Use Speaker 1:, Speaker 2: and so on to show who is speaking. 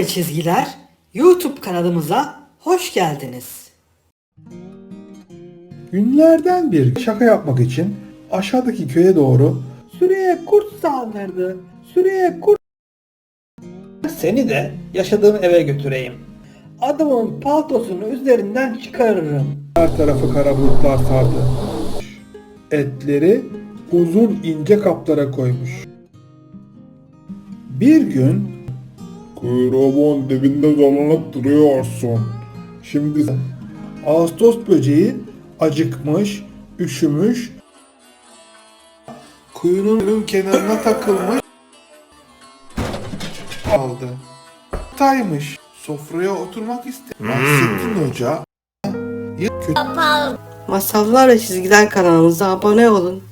Speaker 1: Çizgiler YouTube kanalımıza hoş geldiniz.
Speaker 2: Günlerden bir şaka yapmak için aşağıdaki köye doğru Süreye kurt saldırdı. Süreye kurt. Seni de yaşadığım eve götüreyim. Adamın paltosunu üzerinden çıkarırım. Her tarafı kara bulutlar sardı. Etleri uzun ince kaplara koymuş. Bir gün kuyruğumun dibinde dolanıp duruyorsun. Şimdi Ağustos böceği acıkmış, üşümüş, kuyruğunun kenarına takılmış kaldı. Taymış. Sofraya oturmak istedi. Nasrettin Hoca kötü
Speaker 1: Masallar ve Çizgiler kanalımıza abone olun.